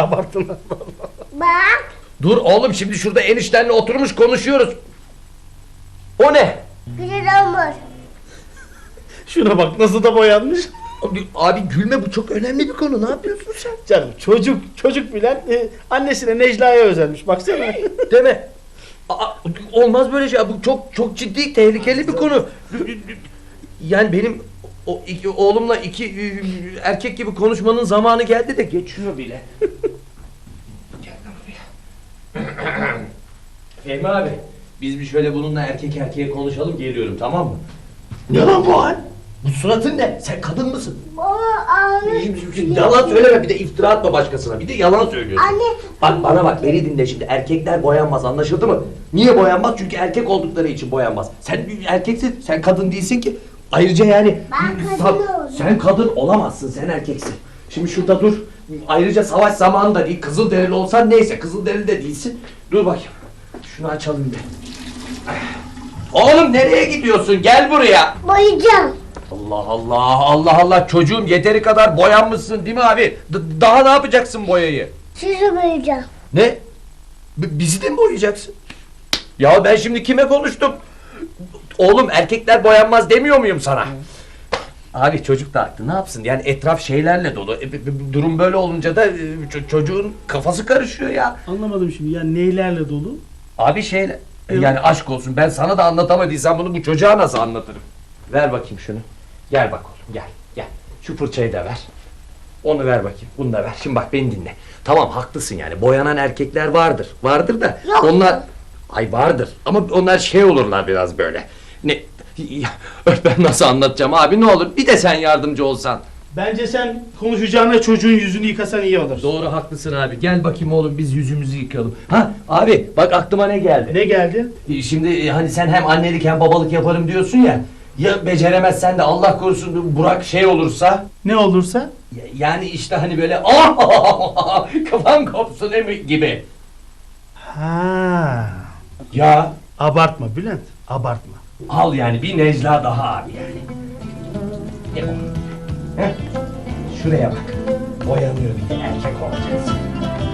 abarttın. Bak. Dur oğlum, şimdi şurada eniştenle oturmuş konuşuyoruz. O ne? Güzel olmuş. Şuna bak nasıl da boyanmış. Abi gülme, bu çok önemli bir konu. Ne yapıyorsun sen? Canım çocuk Bülent annesine Necla'ya özenmiş baksana. Deme. Olmaz böyle şey. Bu çok ciddi, tehlikeli bir konu. Yani benim oğlumla iki erkek gibi konuşmanın zamanı geldi de geçiyor bile. Gel lan buraya. Fehmi abi, biz bir şöyle bununla erkek erkeğe konuşalım, geliyorum, tamam mı? Ne lan bu hal? Bu suratın ne? Sen kadın mısın? Baba ağrıyor. Yalan söyleme, bir de iftira atma başkasına, bir de yalan söylüyorsun. Anne. Bak bana bak, beni dinle şimdi, erkekler boyanmaz, anlaşıldı mı? Niye boyanmaz? Çünkü erkek oldukları için boyanmaz. Sen bir erkeksin, sen kadın değilsin ki. Ayrıca yani... Ben kadın olacağım. Sen kadın olamazsın, sen erkeksin. Şimdi şurada dur. Ayrıca savaş zamanı da değil, Kızılderili olsan neyse, Kızılderili de değilsin. Dur bakayım, şunu açalım bir. Oğlum nereye gidiyorsun? Gel buraya. Boyayacağım. Allah Allah, Allah Allah, çocuğum yeteri kadar boyanmışsın değil mi abi? Daha ne yapacaksın boyayı? Sizi boyayacağım. Ne? Bizi de mi boyayacaksın? Ya ben şimdi kime konuştum? Oğlum erkekler boyanmaz demiyor muyum sana? Abi çocuk da haklı, ne yapsın? Yani etraf şeylerle dolu. Durum böyle olunca da çocuğun kafası karışıyor ya. Anlamadım şimdi yani neylerle dolu? Abi şeyle... Yani aşk olsun, ben sana da anlatamadıysam bunu bu çocuğa nasıl anlatırım? Ver bakayım şunu. Gel bak oğlum, gel. Şu fırçayı da ver. Onu ver bakayım, bunu da ver. Şimdi bak beni dinle. Tamam, haklısın yani, boyanan erkekler vardır. Vardır da Yok. onlar... Ay vardır ama onlar şey olurlar biraz böyle. Ne... Ya, ben nasıl anlatacağım abi, ne olur bir de sen yardımcı olsan. Bence sen konuşacağına çocuğun yüzünü yıkasan iyi olur. Doğru, haklısın abi. Gel bakayım oğlum, biz yüzümüzü yıkayalım. Ha abi, bak aklıma ne geldi. Ne geldi? Şimdi hani sen hem annelik hem babalık yaparım diyorsun ya. Ya beceremezsen de Allah korusun Burak şey olursa. Ne olursa? Yani işte hani böyle kafam kopsun gibi. Ha. Ya Abartma Bülent, abartma. al yani bir Necla daha abi yani. Ne o? Heh, şuraya bak. Boyanıyor, bir de erkek olacaksın.